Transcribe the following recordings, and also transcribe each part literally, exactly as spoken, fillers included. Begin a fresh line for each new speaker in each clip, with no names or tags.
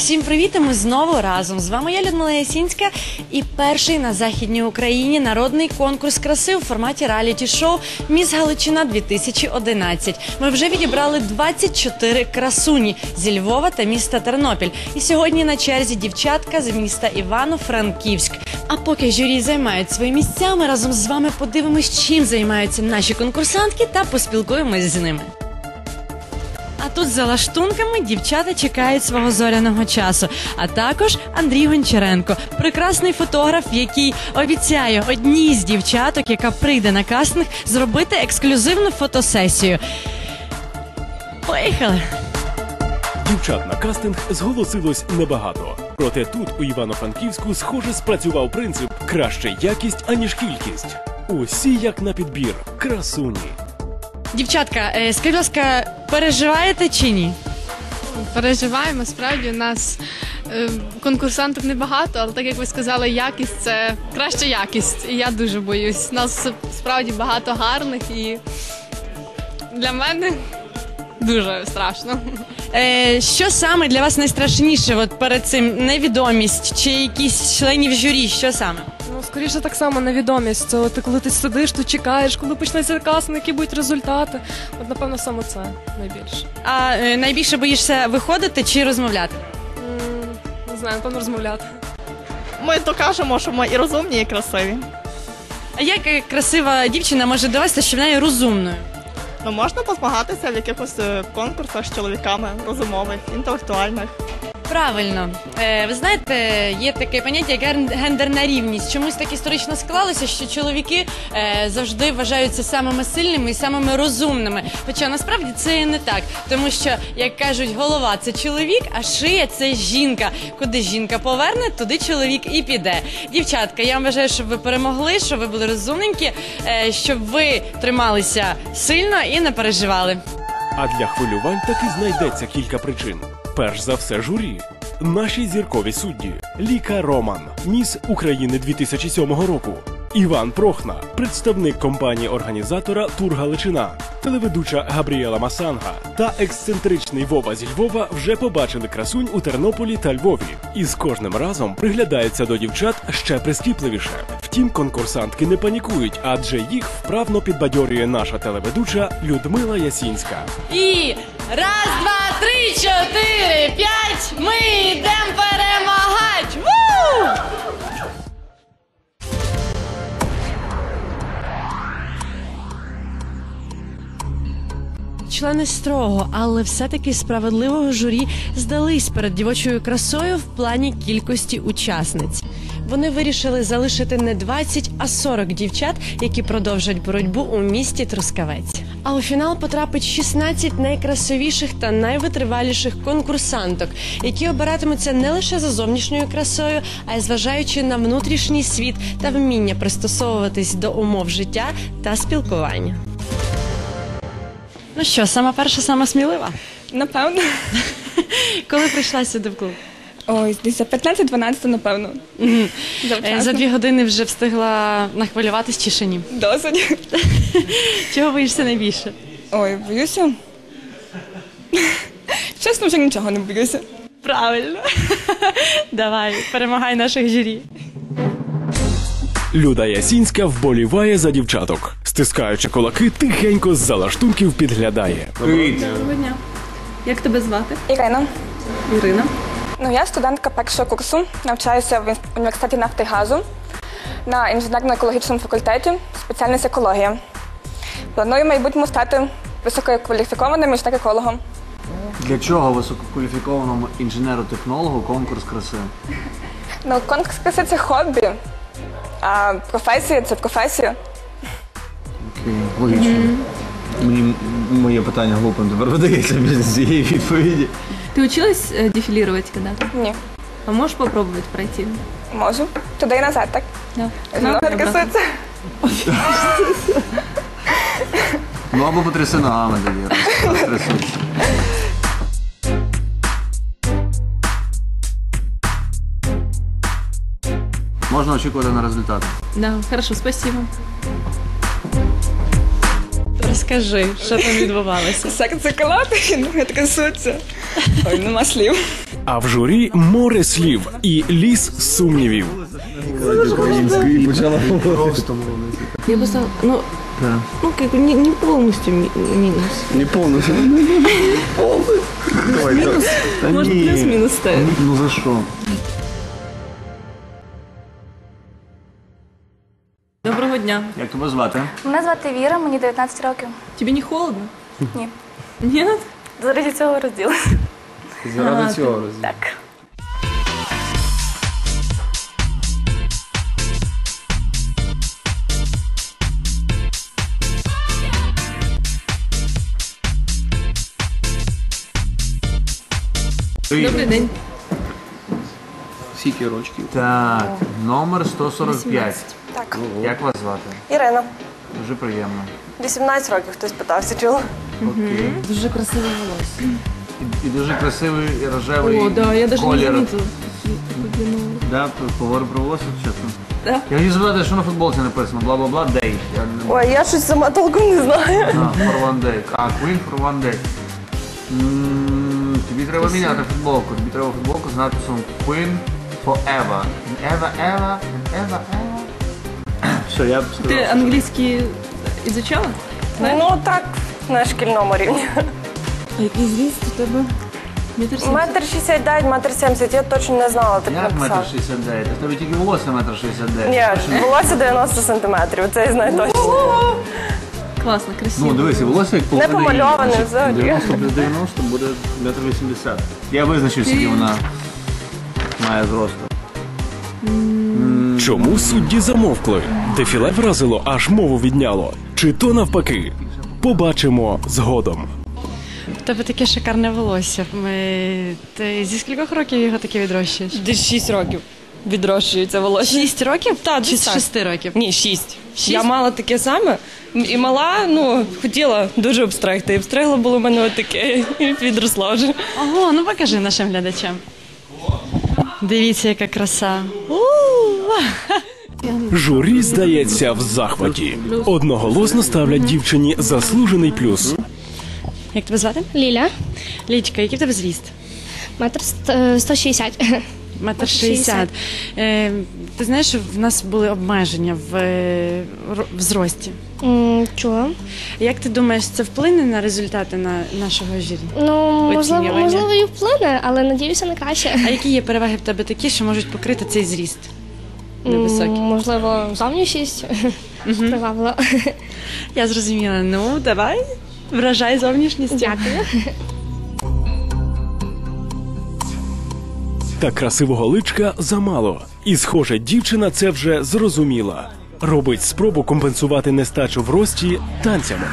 Всім привіт, і ми знову разом. З вами я, Людмила Ясінська, і перший на Західній Україні народний конкурс краси у форматі реаліті-шоу «Міс Галичина дві тисячі одинадцять». Ми вже відібрали двадцять чотири красуні зі Львова та міста Тернопіль. І сьогодні на черзі дівчатка з міста Івано-Франківськ. А поки журі займають свої місця, ми разом з вами подивимось, чим займаються наші конкурсантки та поспілкуємось з ними. А тут за лаштунками дівчата чекають свого зоряного часу. А також Андрій Гончаренко, прекрасний фотограф, який обіцяє одній з дівчаток, яка прийде на кастинг, зробити ексклюзивну фотосесію. Поїхали!
Дівчат на кастинг зголосилось небагато. Проте тут, у Івано-Франківську, схоже спрацював принцип «краще якість, аніж кількість». Усі як на підбір. Красуні.
Дівчатка, скажіть, будь ласка, переживаєте чи ні?
Переживаємо, справді, у нас е, конкурсантів небагато, але так як ви сказали, якість – це краща якість. І я дуже боюсь. Нас справді багато гарних і для мене дуже страшно.
Е, що саме для вас найстрашніше от перед цим? Невідомість чи якісь членів журі? Що саме?
Ну, скоріше так само невідомість. Це от, коли ти сидиш, ти чекаєш, коли почнеться кастинг, які будуть результати. От, напевно, саме це найбільше.
А е, найбільше боїшся виходити чи розмовляти?
М, не знаю, напевно, розмовляти.
Ми докажемо, що ми і розумні, і красиві.
А як е, красива дівчина може довести, що вона є розумною?
Ну, можна позмагатися в якихось е, конкурсах з чоловіками, розумових, інтелектуальних.
Правильно. Е, ви знаєте, є таке поняття, як ген- гендерна рівність. Чомусь так історично склалося, що чоловіки е, завжди вважаються самими сильними і самими розумними. Хоча насправді це і не так. Тому що, як кажуть, голова – це чоловік, а шия – це жінка. Куди жінка поверне, туди чоловік і піде. Дівчатка, я вам бажаю, щоб ви перемогли, щоб ви були розумненькі, е, щоб ви трималися сильно і не переживали.
А для хвилювань таки знайдеться кілька причин. Перш за все журі. Наші зіркові судді. Ліка Роман, міс України дві тисячі сьомого року. Іван Прохна, представник компанії-організатора «Тур Галичина». Телеведуча Габріела Масанга та ексцентричний Вова зі Львова вже побачили красунь у Тернополі та Львові. І з кожним разом приглядаються до дівчат ще прискіпливіше. Втім, конкурсантки не панікують, адже їх вправно підбадьорює наша телеведуча Людмила Ясінська.
І раз, два, три, чотири, п'ять, ми йдемо перемагати! Ву! Члени строгого, але все-таки справедливого журі здались перед дівочою красою в плані кількості учасниць. Вони вирішили залишити не двадцять, а сорок дівчат, які продовжать боротьбу у місті Трускавець. А у фінал потрапить шістнадцять найкрасивіших та найвитриваліших конкурсанток, які обиратимуться не лише за зовнішньою красою, а й зважаючи на внутрішній світ та вміння пристосовуватись до умов життя та спілкування. Ну що, сама перша, сама смілива?
Напевно.
Коли прийшла сюди в клуб?
Ой, десь за п'ятнадцять-дванадцять, напевно.
Угу.
Завчасно.
За дві години вже встигла нахвилюватись чи ще ні?
Досить.
Чого боїшся найбільше?
Ой, боюся. Чесно, вже нічого не боюся.
Правильно. Давай, перемагай наших журі.
Люда Ясінська вболіває за дівчаток. Стискаючи кулаки, тихенько з-за лаштунків підглядає.
Привіт! Доброго дня. Як тебе звати?
Ірина.
Ірина.
Ну, я студентка першого курсу, навчаюся в університеті нафти і газу на інженерно-екологічному факультеті, спеціальність екологія. Планую в майбутньому стати висококваліфікованим інженер-екологом.
Для чого висококваліфікованому інженеру-технологу конкурс краси?
Ну, конкурс краси – це хобі, а професія – це професія.
Окей, логічно. Mm-hmm. Мені моє питання глупим тепер видається без цієї відповіді.
Ты училась э, дефилировать когда-то?
Ні.
А можешь попробовать пройти?
Можу. Туди і назад, так?
Да.
Знову красується.
Ну або потряси ногами тоді, розтрясуйся. Можна очікувати на результати.
Да, хорошо, спасибо.
Розкажи, що там відбувалося.
Серце колотить, ноги трясуться. Ой, нема слів.
А в журі море слів і ліс сумнівів.
Українською почала
Просто я бы сказала, ну, ну как бы не, не полностью ми- минус.
Не повністю.
Минус, может плюс-минус ставить.
Ну за що?
Доброго дня.
Як тебе звати?
Мене звати Віра, мені дев'ятнадцять років.
Тебе не холодно?
Ні.
Нет?
Заради цього розділилася.
Заради цього розділу.
Так.
Добрий день.
Скільки рочків? Так, номер сто сорок п'ять.
Так.
Як вас звати?
Ірина.
Дуже приємно.
вісімнадцять років хтось питався, чула.
Окей.
Дуже красиве волосся.
І, і дуже красивий і рожевий
О, да, я даже не
колір.
заметила.
Да, поговорю про волосся, чесно.
Да.
Я хотів запитати, що на футболці написано, бла-бла-бла, day. Я не...
Ой, я щось сама толком не знаю.
А, for one day. А, Queen for one day. М, тобі треба міняти футболку. Тобі треба футболку з надписом Queen forever. Ever, ever, ever, ever. Все, я б
Ты
сказав.
английский изучала?
Ну так, на шкільному рівні.
А який зріст у тебе?
Метр семьдесят.
Метр шістдесят дев'ять, метр сімдесят, я точно не знала, так
Як метр
написав.
шістдесят дев'ять? В тебе тільки волосся метр шістдесят дев'ять.
Ні, волосся дев'яносто сантиметрів, це я знаю точно.
Классно, красиво.
Ну, дивись, і волосся як половина.
Не помальоване
її.
взагалі.
дев'яносто плюс дев'яносто буде метр вісімдесят. Я визначив, скільки вона має зросту.
Чому судді замовкли? Дефіле вразило, аж мову відняло. Чи то навпаки? Побачимо згодом.
У тебе таке шикарне волосся. Ми... Ти зі скількох років його таке відрощуєш?
Десь шість років відрощується волосся.
Шість років?
Так,
Чи
десь
з
так.
шести років?
Ні, шість. Я мала таке саме. І мала, ну, хотіла дуже обстригти. І обстригла було в мене отаке, і відросла вже.
Ого, ну покажи нашим глядачам. Дивіться, яка краса.
Журі, здається, в захваті. Одноголосно ставлять дівчині заслужений плюс.
Як тебе звати?
Ліля,
Лічка, який в тебе зріст?
метр ст- сто шістдесят.
Метр шістдесят. Е, ти знаєш, що в нас були обмеження в, е, ро- в зрості.
М, Чого?
Як ти думаєш, це вплине на результати на нашого журі?
Ну, можливо,
Оцінювання.
можливо, і вплине, але надіюся на краще.
А які є переваги в тебе такі, що можуть покрити цей зріст? Невисокий.
М, Можливо, зовнішність привабила.
Я зрозуміла. Ну, давай, вражай зовнішністю.
Дякую.
Та красивого личка замало. І, схоже, дівчина це вже зрозуміла. Робить спробу компенсувати нестачу в рості танцями.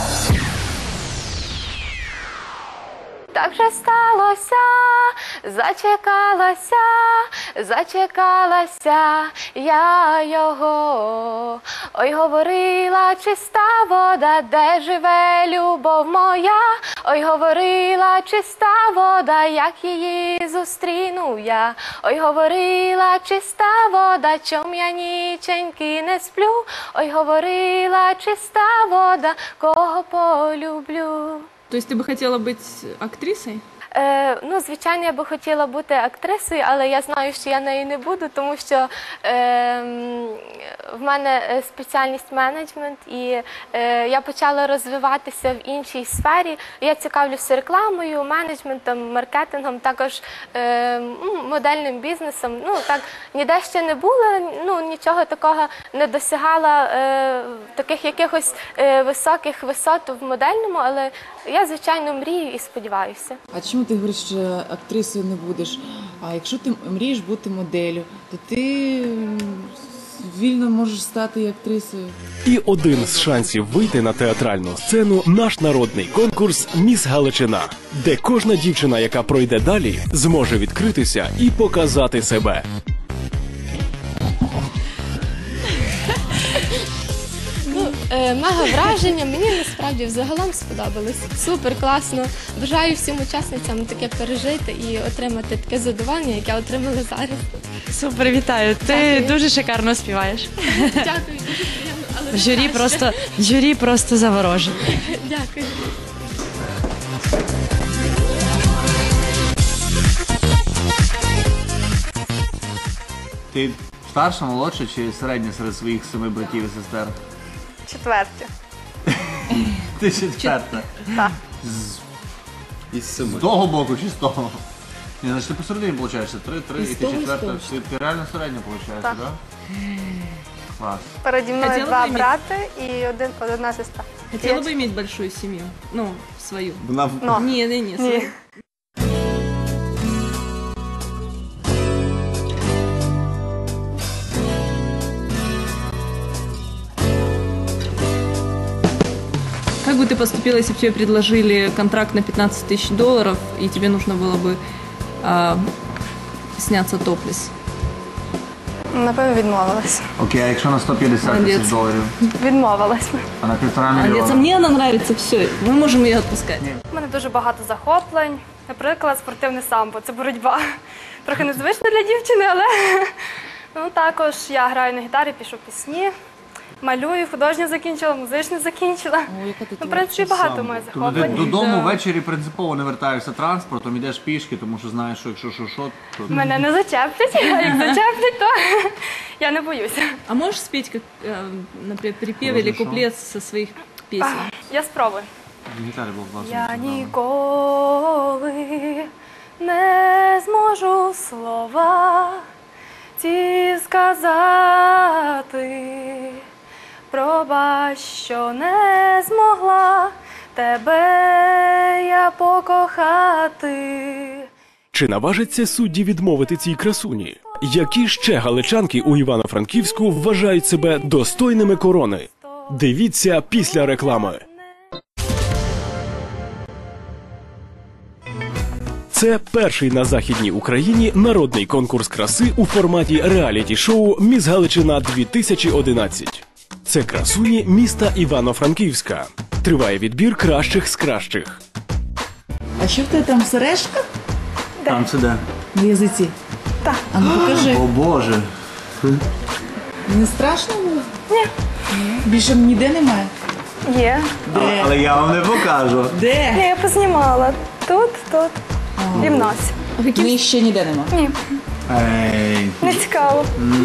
Так же сталося, зачекалася, зачекалася я його. Ой, говорила чиста вода, де живе любов моя. Ой, говорила чиста вода, як її зустріну я. Ой, говорила чиста вода, чом я ніченьки не сплю. Ой, говорила чиста вода, кого полюблю.
То есть ты бы хотела быть актрисой?
Е, ну, звичайно, я би хотіла бути актрисою, але я знаю, що я нею не буду, тому що е, м, в мене спеціальність менеджмент, і е, я почала розвиватися в іншій сфері. Я цікавлюся рекламою, менеджментом, маркетингом, також е, м, модельним бізнесом. Ну, так, ніде ще не була, ну, нічого такого не досягала, е, таких якихось е, високих висот в модельному, але я, звичайно, мрію і сподіваюся.
А чому ти говориш, що актрисою не будеш? А якщо ти мрієш бути моделлю, то ти м, вільно можеш стати і актрисою.
І один з шансів вийти на театральну сцену – наш народний конкурс «Міс Галичина», де кожна дівчина, яка пройде далі, зможе відкритися і показати себе.
Е, Мега враження, мені насправді взагалом сподобалось. Супер, класно. Бажаю всім учасницям таке пережити і отримати таке задоволення, яке отримали зараз.
Супер, вітаю. Ти
Дякую.
дуже шикарно співаєш.
Дякую, дуже приємно, але не
Журі
краще.
просто, журі просто заворожене.
Дякую.
Ти старша, молодша чи середня серед своїх семи братів і сестер?
Четверті.
Ти четверта.
Так.
З... Із семи. З того боку чи з того? Ні, значить ти посередині, виходить, три, три, і ти четверта. Ти, ти реально середня, виходить, так? Да? Клас.
Переді мною
Хотіла
два
б іметь-
брати і один, одна сестра.
Хотела бы иметь большую семью? Ну, свою.
Вона...
Но.
Не, не, не, свою. Как бы ты поступила, если бы тебе предложили контракт на пятнадцать тысяч долларов, и тебе нужно было бы а, сняться топлес?
Напевно, відмовилась.
Окей, а якщо на сто п'ятдесят тисяч
Молодець.
доларів,
Відмовилась.
а на півтора
Молодец, а
мільйона?
мне она нравится, все, мы можем ее отпускать.
У мене дуже багато захоплень. Наприклад, спортивне самбо – це боротьба. Трохи незвично для дівчини, але ну, також я граю на гітарі, пишу пісні, малюю, художню закінчила, музичну закінчила.
О, яка ти
Ну, в принципі, багато моїх
Тобто ти
захоплень.
додому ввечері принципово не вертаєшся транспортом, ідеш пішки, тому що знаєш, що якщо що, що, то...
Мене не зачеплять, а як зачеплять, то я не боюся.
А можешь спеть, как, э, например, припев
Можно
или
что?
куплет со своих песен?
Я спробую.
Гітарі було класно.
Я ніколи не зможу слова ті сказати, пробач, що не змогла тебе я покохати.
Чи наважаться судді відмовити цій красуні? Які ще галичанки у Івано-Франківську вважають себе достойними корони? Дивіться після реклами. Це перший на Західній Україні народний конкурс краси у форматі реаліті-шоу «Міс Галичина-дві тисячі одинадцять». Це красуні міста Івано-Франківська. Триває відбір кращих з кращих.
А що в тебе там сережка
Там це де?
на язиці?
Так.
А ну покажи.
О боже.
Не страшно було? Ні. Більше ніде немає?
Є.
Але, але я вам не покажу.
Де?
Ні, я познімала. Тут, тут і в носі.
Ну, ще ніде нема.
Ні,
Ей.
не цікаво.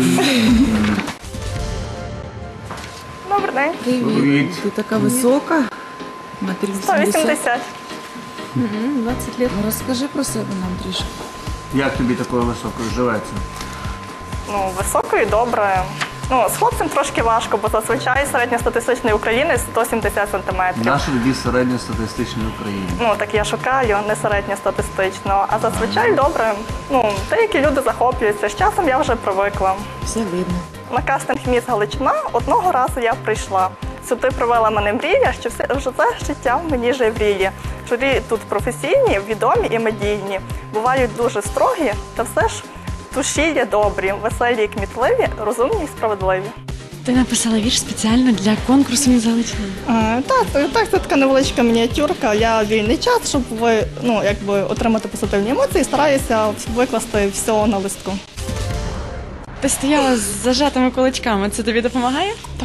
Добрий день.
Привіт. Ти така висока. Метр
сто вісімдесят.
двадцать лет.
Ну, розкажи про себе нам трішки.
Як тобі такою високою живеться?
Ну, високою, добре. Ну, з хлопцем трошки важко, бо зазвичай середньостатистичний українець сто сімдесят сантиметрів.
Наш тоді середньостатистичний Україні.
Ну, так я шукаю, не середньостатистично. А зазвичай добре. Ну, деякі люди захоплюються. З часом я вже привикла.
Все видно.
На кастинг «Міс Галичина» одного разу я прийшла. Сюди привела мене мрія, що все вже це життя в мені жевріє. Журі тут професійні, відомі і медійні. Бувають дуже строгі, та все ж в душі є добрі, веселі і кмітливі, розумні і справедливі.
Ти написала вірш спеціально для конкурсу «Міс Галичина».
А, так, так, це така невеличка мініатюрка. Я вільний час, щоб ви, ну, якби отримати позитивні емоції, стараюся викласти все на листку.
Ти стояла з зажатими кулачками, це тобі допомагає?
Так.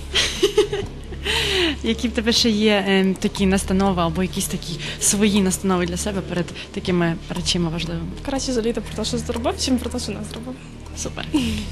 Які в тебе ще є е, такі настанови або якісь такі свої настанови для себе перед такими речами важливими?
Краще жаліти про те, що зробив, чим про те, що не зробив.
Супер.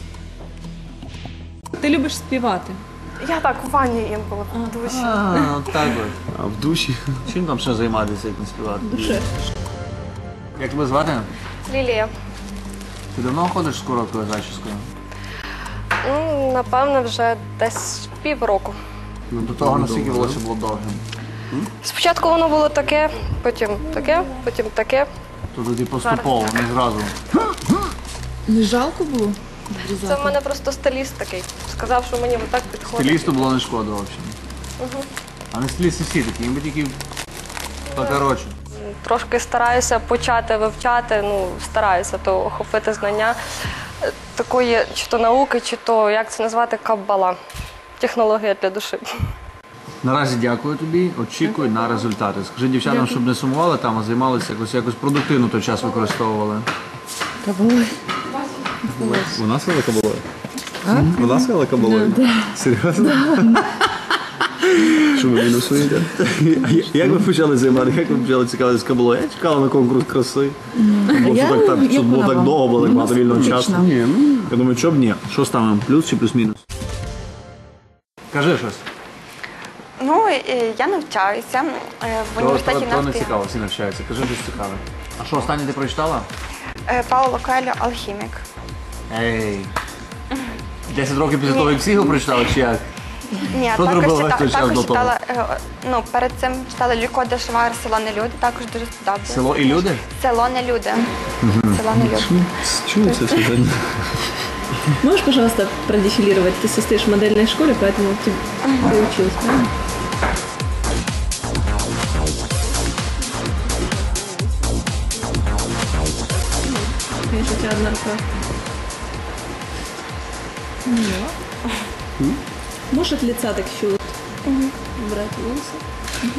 Ти любиш співати?
Я так у ванні інколи в душі.
А, от так от. А в душі? Чим там ще займатися, як не співати?
Душе.
Як тебе звати?
Лілія.
Ти давно ходиш з короткою зачіскою?
Ну, напевно, вже десь півроку.
Ну, до того, наскільки волосся було довгим.
Спочатку воно було таке, потім таке, потім таке.
То тоді поступово, не зразу.
Не жалко було?
Це в мене просто стиліст такий. Сказав, що мені так підходить.
Стилісту було не шкода взагалі.
Угу.
А не стилісти всі такі, їм би тільки покоротше.
Трошки стараюся почати вивчати, ну, стараюся то охопити знання е, такої чи то науки, чи то, як це назвати, каббала. Технологія для душі.
Наразі дякую тобі, очікуй на результати. Скажи дівчатам, щоб не сумували там, а займалися якось, якось продуктивно той час використовували.
Кабули.
Вона сказала кабулою? Вона сказала кабулою? Серйозно? що ви мінусуєте. А як ви почали займати? Як ви почали цікавитися кабуло? Я чекала на конкурс краси. Бо що так, так, щоб було так довго, було так багато вільного часу. Я думаю, що б ні. Що ставимо? Плюс чи плюс-мінус? Кажи щось.
Ну, е, я навчаюся е, в університеті
То не
нафти.
цікаво, всі навчаються. Кажи щось цікаве. А що, останнє ти прочитала?
Е, Пауло Коельо «Алхімік».
Ей. десять років після того, як всі його прочитали, чи як?
Ні,
Що ти
також,
робила
чита,
той час
також
до того?
читала, е, ну, перед цим читала Люко де Швар «Село не люди», також дуже сподобалося.
Село і люди?
Село не люди. Село не люди.
Чується сьогодні.
Можешь, пожалуйста, продефилировать? Ты состоишь в модельной школе, поэтому ты, ты училась, правильно? Конечно, у тебя одна рука. Ну. Можешь от лица так еще вот убрать волосы?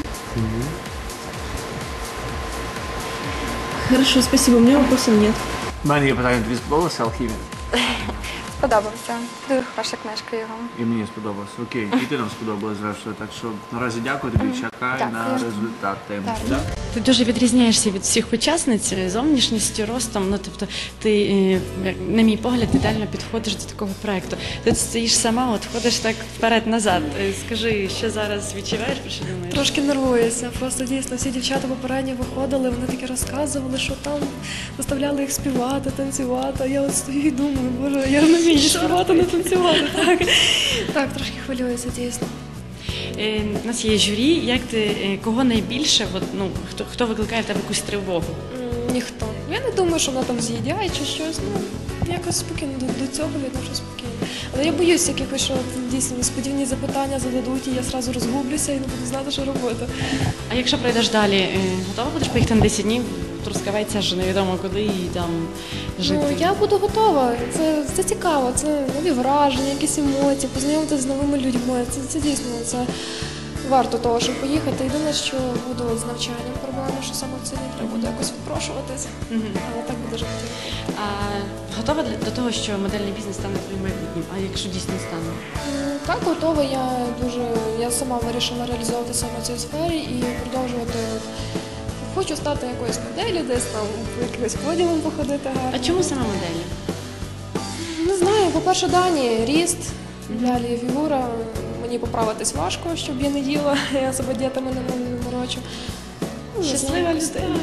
Хорошо, спасибо. У меня вопросов нет.
У мене є питання, тобі сподобалася алхімія?
Сподобався. Дуже хороша книжка його.
І мені сподобалося. Окей, і ти нам сподобалось, зрештою. Так що наразі дякую тобі, чекай
Дякую.
на результати.
Так.
Да?
Ти дуже відрізняєшся від всіх учасниць зовнішністю, ростом. Ну тобто, ти, е, як на мій погляд, ідеально підходиш до такого проекту. Ти стоїш сама, от ходиш так вперед-назад. Е, Скажи, що зараз відчуваєш, про що думаєш?
Трошки нервуюся. Просто дійсно всі дівчата попередньо виходили, вони такі розказували, що там заставляли їх співати, танцювати. А я от стою і думаю, боже, я не вмію співати, не танцювати. Так, так трошки хвилююся, дійсно.
Е, У нас є журі. Як ти е, кого найбільше? От, ну хто хто викликає в тебе якусь тривогу?
М, Ніхто. Я не думаю, що вона там з'їдяє чи щось. Ну, якось спокійно до, до цього відношу спокійно. Але я боюсь якихось, що дійсно несподівані запитання зададуть, і я одразу розгублюся і не буду знати, що робити.
А якщо пройдеш далі, е, готова будеш поїхати на десять днів? Трускавець аж невідомо куди і там жити?
Ну, я буду готова. Це, це цікаво, це нові враження, якісь емоції, познайомитися з новими людьми. Це, це дійсно це варто того, щоб поїхати. Єдине, що буду з навчанням проблеми, що саме в ціні треба буде якось відпрошуватись.
Мгм.
Але так буде жити.
А готова для- до того, що модельний бізнес стане твоїм майбутнім? А якщо дійсно стане?
М, Так, готова. Я дуже я сама вирішила реалізовувати саме в цій сфері і продовжувати. Хочу стати якоюсь моделлю, десь там по якимось подіумам походити гарно.
А чому саме моделі?
Не знаю, по-перше, дані, ріст, далі фігура. Мені поправитись важко, щоб я не їла, я себе дієтами не морочу. Ну, не
Щаслива
знаю.
людина.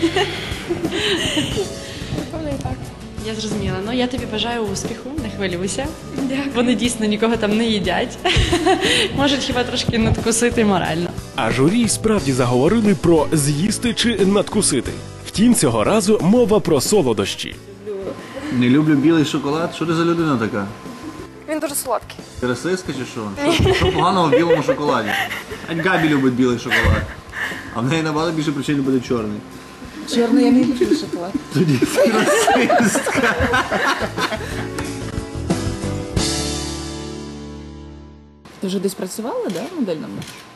Напевно, і так.
Я зрозуміла. Ну я тобі бажаю успіху, не хвилюйся.
Дякую.
Вони дійсно нікого там не їдять. Можуть хіба трошки надкусити морально.
А журі справді заговорили про з'їсти чи надкусити. Втім, цього разу мова про солодощі.
Не люблю білий шоколад. Що ти за людина така?
Він дуже солодкий.
Ти расистка чи що? Що, що поганого в білому шоколаді? Ань Габі любить білий шоколад. А в неї набагато більше причин любити чорний.
Чорний я не люблю шоколад.
Тоді ти расистка.
Ти вже десь працювала, да, в модельному?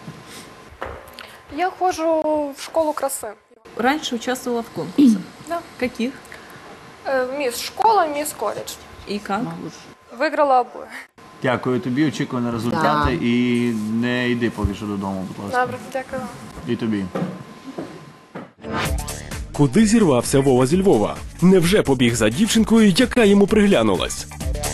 Я ходжу в школу краси.
Раньше участвовала в конкурсах.
Да.
Каких?
Е, Міс школа, міс коледж.
И как?
Виграла обоє.
Дякую тобі, очікую на результати і не йди поки що додому, будь ласка.
Добре, дякую.
І тобі.
Куди зірвався Вова зі Львова? Невже побіг за дівчинкою, яка йому приглянулась?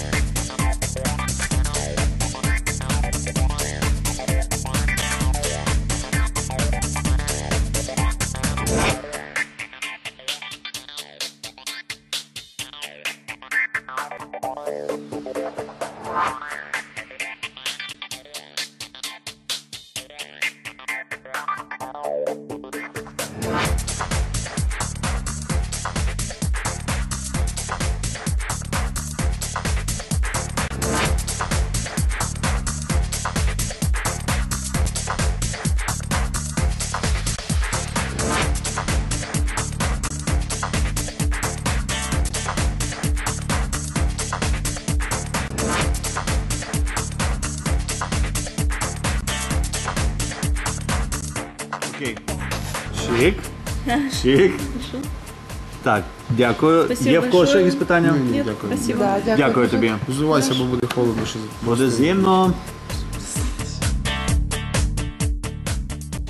Окей. Чик. Чик. Так, дякую.
Спасибо
Є в когось ще
большое.
якісь питання?
Нет, спасибо.
Дякую тобі.
Взувайся, бо буде холодно. Ще
Буде зимно.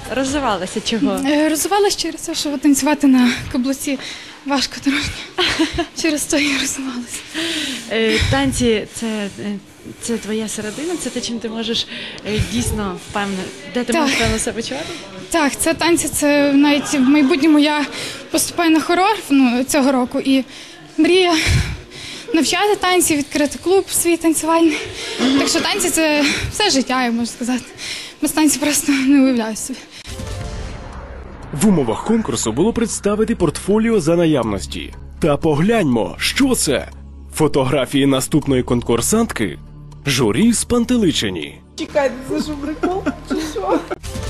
розвивалася? Чого?
Е, Розвивалася через те, що танцювати на каблуці важко трошки. Через це і розвивалася.
Е, Танці – це, е, це твоя середина? Це те, чим ти можеш е, дійсно впевнено, де ти
Так.
можеш впевнено себе почувати?
Так, це танці, це навіть в майбутньому я поступаю на хорор ну, цього року і мрія навчати танці, відкрити клуб свій танцювальний. Так що танці – це все життя, я можу сказати. Без танців просто не уявляю собі.
В умовах конкурсу було представити портфоліо за наявності. Та погляньмо, що це? Фотографії наступної конкурсантки? Журі спантеличені.
Чекайте, це що прикол? Чи що?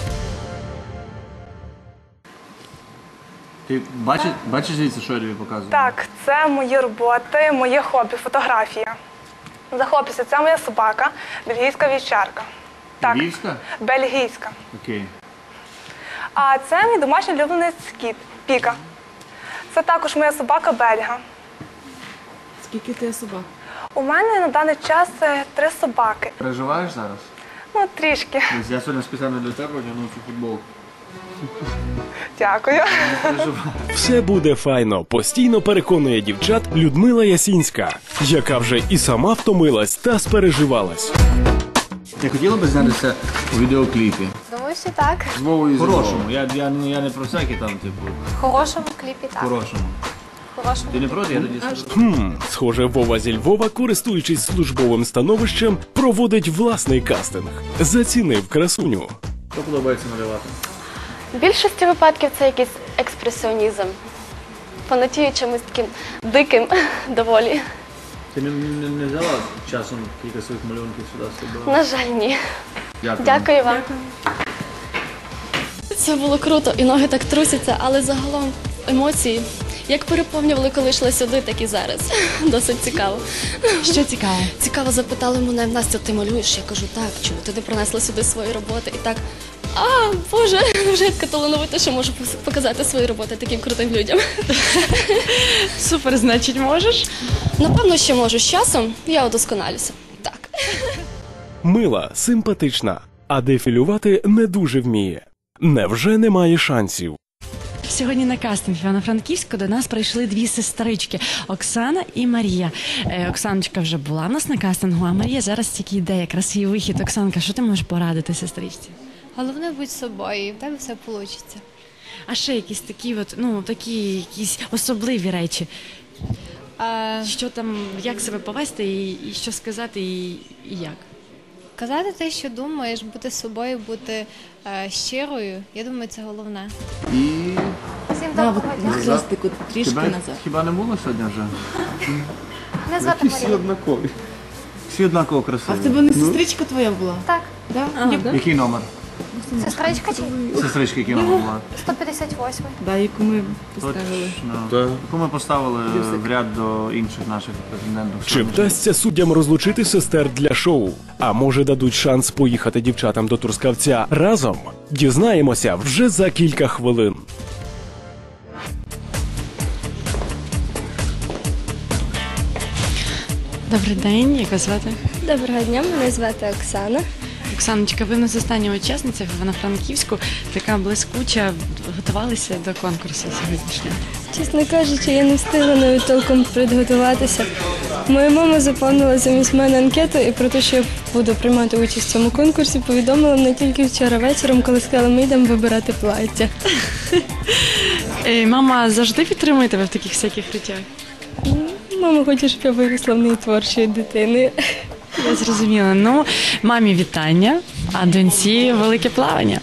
Ти бачиш, бачиш звідси, що я тобі показую?
Так, це мої роботи, моє хобі, фотографія. Захоплюся, це моя собака, бельгійська вівчарка. Так,
Львівська?
бельгійська.
Окей.
А це мій домашній улюблений кіт, Піка. Це також моя собака Бельга.
Скільки ти собак?
У мене на даний час е, три собаки.
Переживаєш зараз?
Ну, трішки.
Ось я сьогодні спеціально для тебе одягнув цю футболку.
Дякую.
Все буде файно, постійно переконує дівчат Людмила Ясінська, яка вже і сама втомилась та спереживалась.
Ти хотіла б знятися у відеокліпі?
Думаю, що так.
З Вовою і Хорошому. Я, я, не- я не про всякі там, типу,
В хорошому кліпі так.
хорошому.
В хорошому.
Ти не проти? Я тоді скажу.
Хм, схоже, Вова зі Львова, користуючись службовим становищем, проводить власний кастинг. Зацінив красуню.
Що подобається малювати?
В більшості випадків це якийсь експресіонізм. Фанатію чимось таким диким доволі.
Ти не, не, не взяла часом кілька своїх малюнків сюди з собою?
На жаль, ні.
Дякую.
Дякую вам. Це було круто, і ноги так трусяться, але загалом емоції, як переповнювали, коли йшли сюди, так і зараз. Досить цікаво.
Що цікаво?
Цікаво запитали мене, Настя, ти малюєш? Я кажу, так, чому ти не принесла сюди свої роботи? І так, а, Боже, вже я така талановита, що можу показати свої роботи таким крутим людям.
Супер, значить, можеш?
Напевно, ще можу. З часом я удосконалюся. Так.
Мила, симпатична, а дефілювати не дуже вміє. Невже немає шансів?
Сьогодні на кастинг Івано-Франківську до нас прийшли дві сестрички – Оксана і Марія. Е, Оксаночка вже була в нас на кастингу, а Марія зараз тільки йде, якраз її вихід. Оксанка, що ти можеш порадити сестричці?
Головне бути собою, і в тебе все вийде.
А ще якісь такі, от, ну, такі якісь особливі речі.
А...
Що там, як себе повести і, і що сказати, і, і як?
Казати те, що думаєш, бути собою, бути е, щирою, я думаю, це головне.
І...
Всім
Да,
доброго
от
дня.
хрестику трішки
Тебе
назад.
хіба не було сьогодні вже?
Мене звати
Всі
Марія.
однакові. Всі однаково красиві.
А в тебе не сестричка твоя була?
Так.
Да?
А,
Я-
да?
Який номер?
Сестричка чи?
Сестрички, який номер була?
сто п'ятдесят восьмий.
Да, яку ми поставили.
Точно. Яку ми поставили в ряд до інших наших претендентів.
Чи вдасться суддям розлучити сестер для шоу? А може дадуть шанс поїхати дівчатам до Трускавця разом? Дізнаємося вже за кілька хвилин.
Добрий день, як вас звати?
Доброго дня, мене звати Оксана.
Оксаночка, ви в нас остання учасниця в Івано-Франківську, така блискуча, готувалися до конкурсу сьогоднішнього.
Чесно кажучи, я не встигла навіть толком підготуватися. Моя мама заповнила замість мене анкету і про те, що я буду приймати участь в цьому конкурсі, повідомила мене тільки вчора вечором, коли сказала, ми йдемо вибирати плаття.
Е, Мама завжди підтримує тебе в таких всяких речах?
Мама хоче, щоб я виросла в неї творчою дитиною.
Я зрозуміла. Ну, мамі вітання, а доньці велике плавання.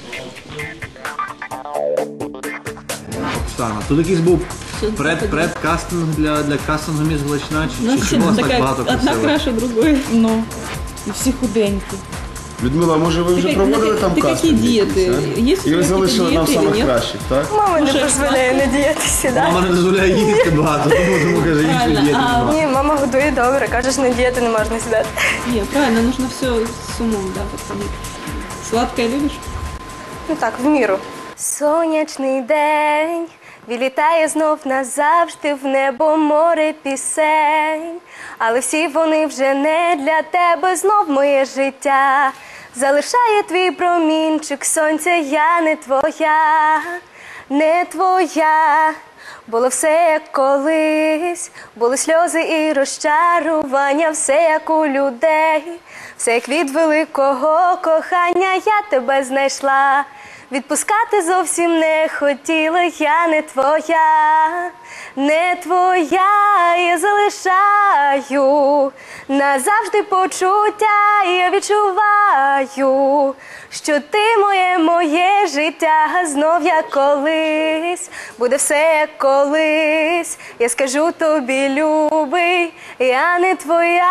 Оксана, тут якийсь був пред, предкастинг для, для кастингу «Міс Галичина», чи,
Ну,
чи
всі
чому вас
така,
так багато
одна
красивих?
краще другої.
Ну, і всі худенькі.
Людмила, може ви вже
Ти-
проводили
ти-
там
ти
кастинг?
які дієти?
якийсь, а?
Є
І ви
якісь
залишили нам
дієти,
самих
ні?
кращих, так?
Мама не
Ну, що,
дозволяє не діятися, да?
Мама не дозволяє їсти багато, тому, тому каже, інші
Правильно,
дієти
а
немає.
Ні, мама годує добре, каже, що не діяти не можна сідати.
Не, правильно, нужно все с умом, да, подходить. Сладкое любишь?
Ну так, в міру.
Сонячний день вилітає знов назавжди в небо море пісень, але всі вони вже не для тебе, знов моє життя
залишає твій промінчик сонця, я не твоя, не твоя. Було все як колись, були сльози і розчарування, все як у людей, все як від великого кохання, я тебе знайшла. Відпускати зовсім не хотіла, я не твоя, не твоя, я залишаю назавжди почуття, я відчуваю, що ти моє, моє життя, знов як колись, буде все як колись, я скажу тобі, любий, я не твоя.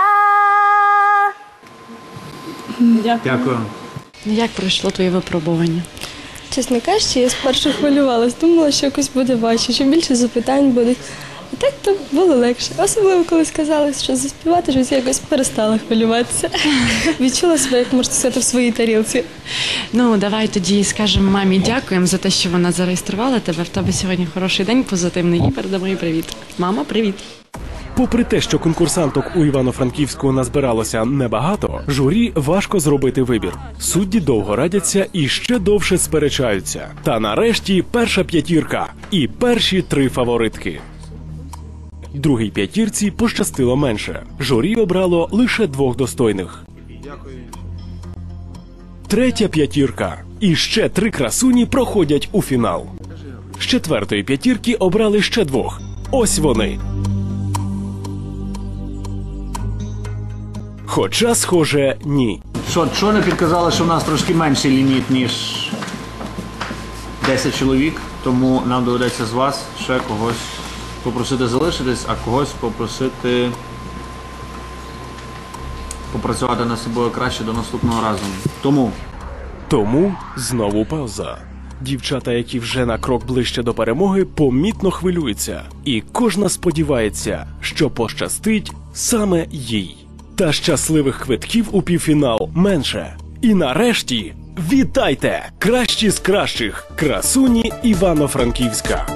Дякую.
Як пройшло твоє випробування?
Чесно кажучи, я спершу хвилювалась, думала, що якось буде важче, що більше запитань буде. А так то було легше. Особливо, коли сказали, що заспівати, щось я якось перестала хвилюватися. Відчула себе, як можна сказати, в своїй тарілці.
Ну, давай тоді скажемо мамі дякуємо за те, що вона зареєструвала тебе. В тебе сьогодні хороший день, позитивний, і передамо їй привіт. Мама, привіт.
Попри те, що конкурсанток у Івано-Франківську назбиралося небагато, журі важко зробити вибір. Судді довго радяться і ще довше сперечаються. Та нарешті перша п'ятірка і перші три фаворитки. Другій п'ятірці пощастило менше. Журі обрало лише двох достойних. Третя п'ятірка і ще три красуні проходять у фінал. З четвертої п'ятірки обрали ще двох. Ось вони. Хоча, схоже, ні.
Що, що не підказали, що в нас трошки менший ліміт, ніж десять чоловік, тому нам доведеться з вас ще когось попросити залишитись, а когось попросити попрацювати над собою краще до наступного разу. Тому.
Тому знову пауза. Дівчата, які вже на крок ближче до перемоги, помітно хвилюються. І кожна сподівається, що пощастить саме їй. Та щасливих квитків у півфінал менше. І нарешті, вітайте! Кращі з кращих! Красуні Івано-Франківська!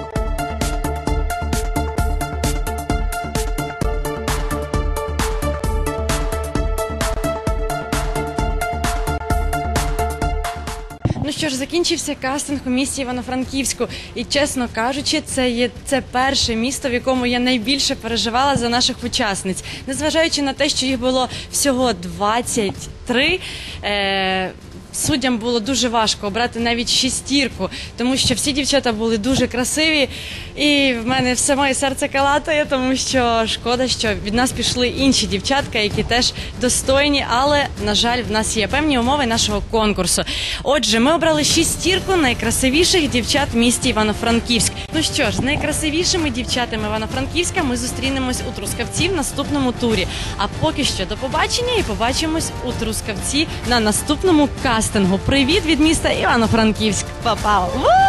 Ну що ж, закінчився кастинг у місті Івано-Франківську. І, чесно кажучи, це є це перше місто, в якому я найбільше переживала за наших учасниць. Незважаючи на те, що їх було всього двадцять три, е- суддям було дуже важко обрати навіть шістірку, тому що всі дівчата були дуже красиві, і в мене все моє серце калатає, тому що шкода, що від нас пішли інші дівчатка, які теж достойні, але, на жаль, в нас є певні умови нашого конкурсу. Отже, ми обрали шістірку найкрасивіших дівчат в місті Івано-Франківськ. Ну що ж, з найкрасивішими дівчатами Івано-Франківська ми зустрінемось у Трускавці в наступному турі. А поки що до побачення і побачимось у Трускавці на наступному кастингу. Привіт від міста Івано-Франківськ. Па-па!